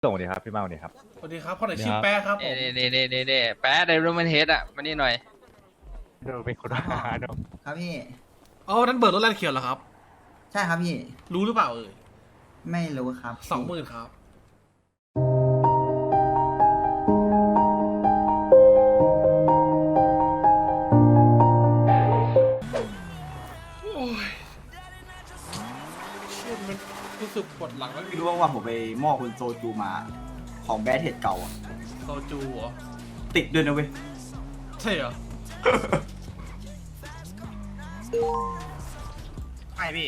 ส่งดีครับพี่เมาเนี่ยครับสวัสดีครับคนไหนชื่อแป๊ะครับผมนี่แป๊ะไดรูมันเฮดอ่ะมานี่หน่อยดูเป็นคนหาดูครับพี่อ๋อนั่นเบิร์ดรถแลนด์เขียวเหรอครับใช่ครับพี่รู้หรือเปล่าเอ่ยไม่รู้ครับ 20,000ครับโอ้ยเชี่ยมันรู้สึกปวดหลังแล้วไม่รู้ว่าผมไปมอบคุณโซจูมาของแบดเทดเก่าอะโซจูเหรอติดด้วยนะเว้ยใช่เหรอไม่พี่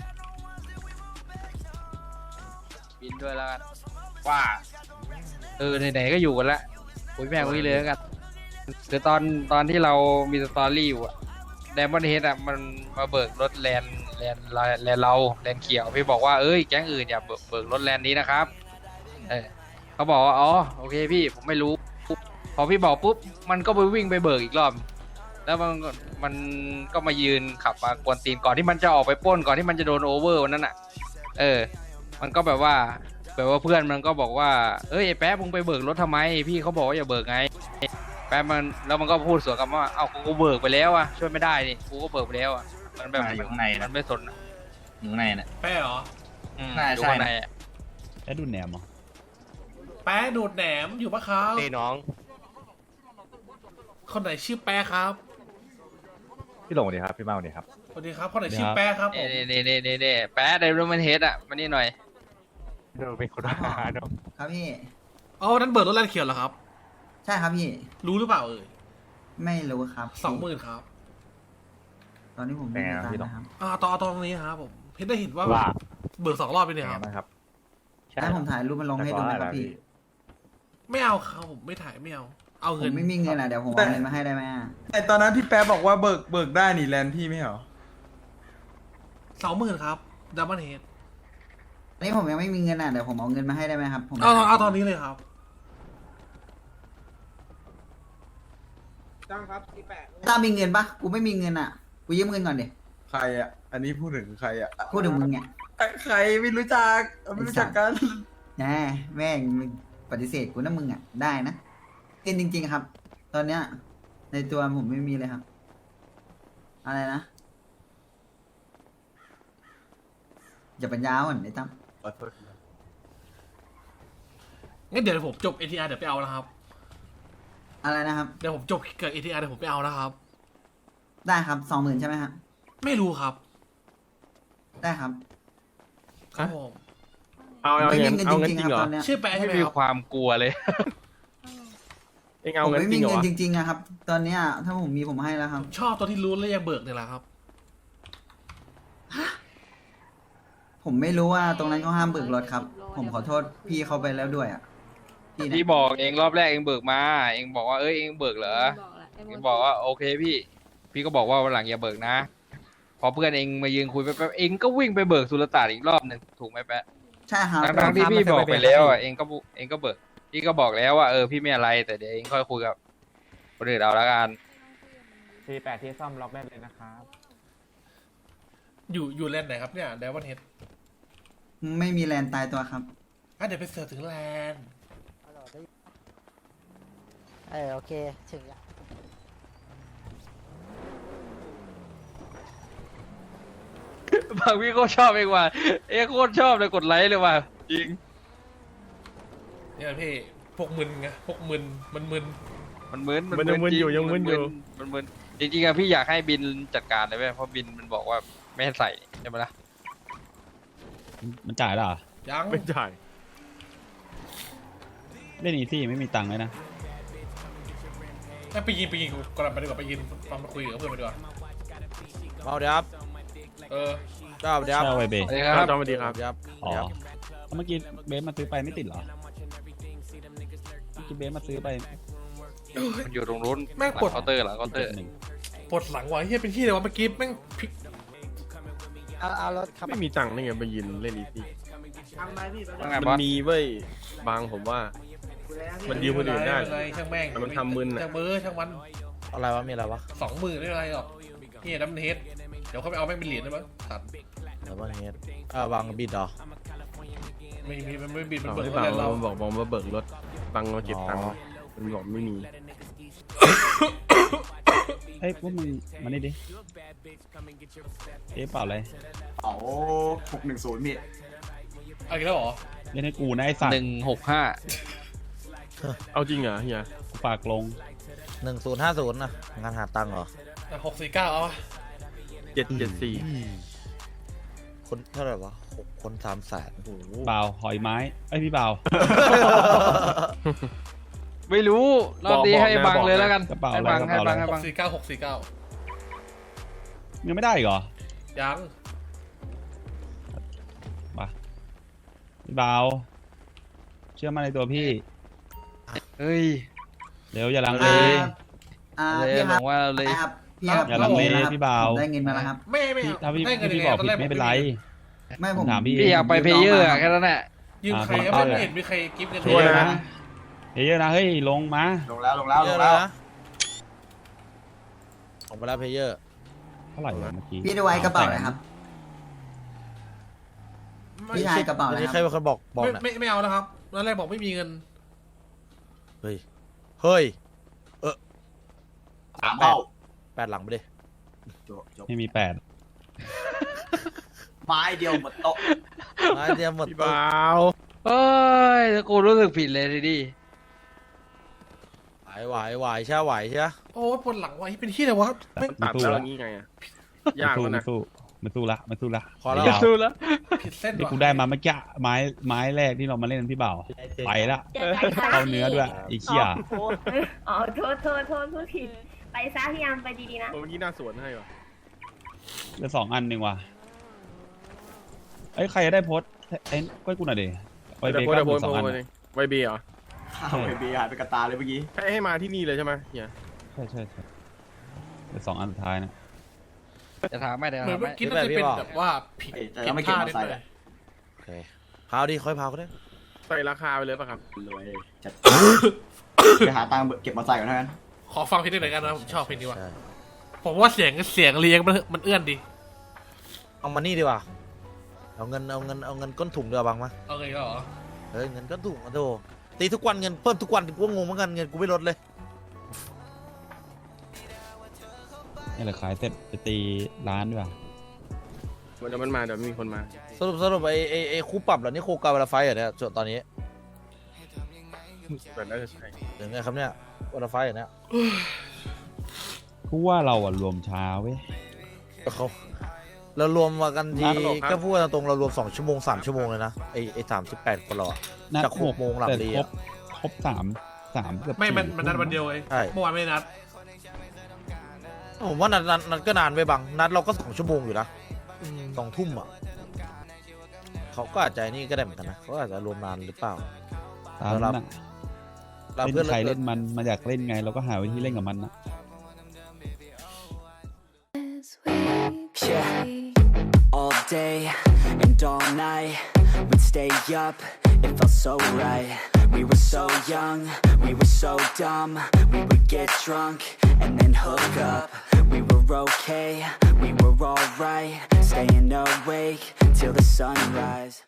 บินด้วยแล้วกันว่าไหนๆก็อยู่กันละคุยแม่งคุยเลยแล้วกันคือตอนที่เรามีสตอรี่อยู่อะไดมอนด์เฮดอะมันมาเบิกรถแลนเราแลนเขียวพี่บอกว่าเอ้ยแก๊งอื่นอย่าเบิกรถแลนนี้นะครับเขาบอกว่าอ๋อโอเคพี่ผมไม่รู้พอพี่บอกปุ๊บมันก็ไปวิ่งไปเบิกอีกรอบแล้วมันก็มายืนขับมากวนตีนก่อนที่มันจะออกไปปล้นก่อนที่มันจะโดนโอเวอร์วันนั้นอ่ะมันก็แบบว่าเพื่อนมันก็บอกว่าเอ้ยไอ้แป๊ะมึงไปเบิกรถทำไมพี่เขาบอกว่าอย่าเบิกไงแป๊ะมันก็พูดสวนกลับว่าเอ้ากูเบิกไปแล้วอ่ะช่วยไม่ได้นี่กูก็เบิกไปแล้วอ่ะมันแบบอยู่ข้างในมันไม่สนอยู่ข้างในน่ะแป๊ะเหรออยู่ข้างในอะแอดดูแหนมเหรอแป๊ะดูดแหนมอยู่ปะครับนี่น้องคนไหนชื่อแป๊ะครับพี่หลงดีครับพี่เมาเนี่ยครับสวัสดีครับคนไหนชื่อแป๊ะครับผมนี่แป๊ะไดรูมันเฮดอ่ะมานี่หน่อยดูเป็นคนหาดูครับพี่อ๋อนั่นเบิร์ดรถแลนด์เขียวเหรอครับใช่ครับพี่รู้หรือเปล่าเอ่ยไม่รู้ครับ 20,000ครับตอนนี้ผมไม่มีตังค์นะครับตอนนี้ครับผมเห็นได้เห็นว่าว่าเบิก2 รอบไปเป็นเนี่ยไงครับบ้างครับให้ผมถ่ายรูปมันลงให้ดูไหมครับพี่ไม่เอาครับผมไม่ถ่ายไม่เอา เอาผเงินมไม่มีเงินอ่ะเดี๋ยวผมเอาเงินมาให้ได้ไหมอะไอตอนนั้นที่แป๊บบอกว่าเบิกได้นี่แลนด์พี่ไม่เหรอ 20,000ครับดับเบิลเฮดอันนี้ผมยังไม่มีเงินอ่ะเดี๋ยวผมเอาเงินมาให้ได้ไหมครับผมเอาตอนนี้เลยครับตามมีเงินปะกูไม่มีเงินอ่ะกูยืมเงินก่อนดิใครอ่ะ อันนี้พูดถึงใครอ่ะพูดถึงมึงเนี่ยใครไม่รู้จักไม่รู้จักกันแหมแม่งมึงปฏิเสธกูนะมึงอ่ะได้นะกินจริง ๆครับ ตอนเนี้ย ในตัวผมไม่มีเลยครับ อะไรนะอย่าปัญญาอ่อนไอ้ตั้มขอโทษงั้นเดี๋ยวผมจบ ATR เดี๋ยวไปเอานะครับอะไรนะครับเดี๋ยวผมจบเกิด ATR เดี๋ยวผมไปเอานะครับได้ครับ20,000ใช่ไหมครับไม่รู้ครับได้ครับครับผมเอาไม่มีเงินเงินเอาจเงินริงจๆริคงรับเหรอตอนเนี้ยชื่อแปะใช่ไม่ไหมมีครับความกลัวเลยเองผเอามเงินไม่จริมีงเหรอเงินวะจริงๆอะครับ ตอนเนี้ยถ้าผมมีผมให้แล้วครับชอบตัวที่รู้แล้วยังเบิกเนี่ยแหละครับผมไม่รู้ว่าตรงนั้นเขาห้ามเบิกรถครับ ผมขอโทษพี่เขาไปแล้วด้วยอ่ะพี่พี่นะบอกเองรอบแรกเองเบิกมาเองบอกว่าเอ้ยเองเบิกเหรอเองบอกว่าโอเคพี่ก็บอกว่าวันหลังอย่าเบิกนะ พอเพื่อนเองมายืนคุยแป๊บๆเองก็วิ่งไปเบิกสุลต่านอีกรอบหนึ่งถูกไหมแป๊ะใช่ครับทั้งที่พี่บอกไปแล้วอ่ะเองก็เบิกพี่ก็บอกแล้วว่าพี่ไม่อะไรแต่เดี๋ยวเองค่อยคุยกับคนอื่นเอาละกัน 48ที่ซ่อมล็อกได้เลยนะครับอยู่แลนด์ไหนครับเนี่ยดับเบิลเฮดไม่มีแลนตายตัวครับเดี๋ยวไปเสิร์ชถึงแลนด์โอเค ถึงแล้วบางพี่ก็ชอบเองว่ะโคตรชอบเลยกดไลค์เลยว่ะจริงเนี่ยพี่พวกมึนไงพวกมึนมันมึนมันมึนมันยังมึนอยู่ยังมึนอยู่มันมึนจริงๆอะพี่อยากให้บินจัดการเลยเว้ยเพราะบินมันบอกว่าไม่ให้ใส่ใช่ไหมล่ะมันจ่ายแล้วเหรอยังไม่จ่ายเล่นอีซี่ไม่มีตังค์เลยนะไปยินกูก่อนไปดีกว่าไปยินฟังมาคุยกับเพื่อนไปดีกว่าเอาเดี๋ยวครับเออเจ้าเดี๋ยวเช่าไวเบสวัสดีครับสวัสดีครับอ๋อเมื่อกี้เบสมาซื้อไปไม่ติดเหรอเมื่อกี้เบสมาซื้อไปมันอยู่ตรงนู้นแม่งหลัปวดงเคาน์เตอร์หลังเคาน์เตอร์หนึ่งปวดหลังว่ะเฮียเป็นที่เลยวะเมื่อกี้แม่งพลิกเอารถครับไม่มีตังค์นี่ไงไปยืนเล่นอีซี่ว่าไงมันบอสมีเว้ยบางผมว่า มันยืมคนอื่นได้ม่เป็รช่างแม่งแต่มันทำมึนอะช่างเบอร์ช่างมันอะไรวะ มีอะไรวะ 20,000ไม่เป็นไรหรอกนี่ดับเบิลเฮดเดี๋ยวเขาไปเอาแม่งเป็นเหรียญได้มั้งตัดเดี๋ยวว่าเฮดวางบิดเหรอไม่มีมันไม่บินมันเอาเบิกพี่รถบังเล่นเรามันบอกมาเบิกรถบังมาเก็บตังค์มันบอกไม่มีเฮ้ยพวกมึงมานี่ดิเอ๊ะเปล่าอะไรเอา610พี่เอาอีกแล้วเหรอเล่นให้กูนะไอ้สัตว์ 165 เอาจริงเหรอเฮียกูปากลง 1050นะงานหาตังค์เหรอ 649เอา 774 คนเท่าไหร่วะ6 คน300,000 โอ้โหเปล่าหอยไม้ไอ้ยพี่เปล่าไม่รู้รอบนี้ให้บังเลยแล้วกันกระเป๋าให้อะไรบังกระให้เป๋าบัอะงไรให้บัง 649 ยังไม่ได้อีกเหรอยังมาพี่เปล่าเชื่อมั่นในตัวพี่เฮ้ยเดี๋ยวอย่าลังเลเลยพี่บครัอบ กว่าเลยพี่ครับอย่าลังเลได้งินพี่เบาผมได้เงินมาแล้วครับไม่พี่ถ้าพี่ให้เงินพี่ยังไงบอกตอนผิแรดกไม่เป็นไรไม่ผมถามพี่พี่อยากไปเพย์เยอร์อะแค่นั้นแหละยืมใครอ่าไม่เห็นมีใครกิฟต์กันเฮ้ยนะเฮ้ยนะเฮ้ยลงมาลงแล้วเยอะนะออกไปแล้วเพเยอร์เท่าไหร่วะเมื่อกี้พี่ดูไว้กระเป๋านะครับ พี่ชายกระเป๋าอันนะนี้คใครรับเป็นคนบอกน่ะไม่เอาแล้วครับตอนแรกบอกไม่มีเงินเฮ้ย เฮ้ย 3เข้า 8 หลังไปดิจบไม่มี8 ไม้เดียวหมดโต๊ะไม้เดียวหมดพี่ตัวบ่าวเฮ้ยกูรู้สึกผิดเลยทีนี้ไหวใช่ไหวใช่โอ้ปวดหลังว่ะเป็นที่อะไรวะไม่ตัดแล้วอย่างงี้ไงอะยากแล้วนะมันสู้ละมันสู้ละพอแล้วเดี๋ยวสู้แล้วผิดเส้นนี่ว่ะกูได้มาเมื่อกี้ไม้แรกที่เรามาเล่นพี่เบาไปละเข้าเนื้อด้วยอีกเขี้ยอ๋อโทษพูดผิด ไปซะพี่ยามไปดีๆนะเมื่อกี้หน้าสวนให้ว่ะเหลือ2 อันหนึ่งว่ะเอ้ยใครจะได้โพสต์ไอ้ก้อยกูหน่อยดิไวเบโพสก้าโพส 2 อันไวเบียเหรอข้าวไอเบียร์หายไปกระตาเลยเมื่อกี้ให้มาที่นี่เลยใช่ไหมเฮียใช่เหลือ2 อันสุดท้ายนะจะถามไม่ได้เหมือนถามเมื่ไม่อกี้น่าจะเป็นแบบว่าผิดแต่ยังไม่เก็บมาใส่เลยโอเคพาวดิค่อยพาวก็ได้ใส่ราคาไปเลยป่ะครับเลยจัดไปหาตังค์เก็บมาใส่ก่อนเท่านั้นขอฟังเพลงหน่อยกันนะผมชอบเพลงนี้ว่ะใช่ผมว่าเสียงเรียงมันเอื้อนดีเอามานี่ดีกว่าเอาเงินก้นถุงเดียวบังมาเอาไงก็เหรอเฮ้ยเงินก้นถุงมาโถตีทุกวันเงินเพิ่มทุกวันกูก็งงเหมือนกันเงินกูไม่ลดเลยนี่แหละขายเสร็จไปตีร้านด้วยเดี๋ยวมันมาเดี๋ยวมีคนมาสรุปไอ้คู่ปรับเหรอนี่โคกาเวลาไฟเหรอเนี่ยตอนนี้แต่น่าจะใช่หรือไงครับเนี่ยเวลาไฟเหรอเนี่ยกูว่าเราอะรวมช้าเว้ยเรารวมมากันทีนัดหรอครับก็พูดตรงๆเรารวม2 ชั่วโมง3 ชั่วโมงเลยนะไอ้38 คนเราอะนัดจาก6 โมงหลังแต่ดีครอะบ3เกือบไม่มัน 4 นัดวันเดียวเองใช่เมื่อวานไม่ได้นัดผมว่านัดก็นานไปบังนัดเราก็2 ชั่วโมงอยู่นะ2 ทุ่มอ่ะเขาก็อาจจะนี่ก็ได้เหมือนกันนะเขาอาจจะรวมนานหรือเปล่าตามนั้นอะเราเล่เพื่อนนใครเล่นมันอยากเล่นไงเราก็หาวิธีเล่นกับมันนะ All day and all night, we'd stay up, it felt so right. We were so young, we were so dumb. We would get drunk and then hook up. We were okay, we were alright, staying awake till the sunrise.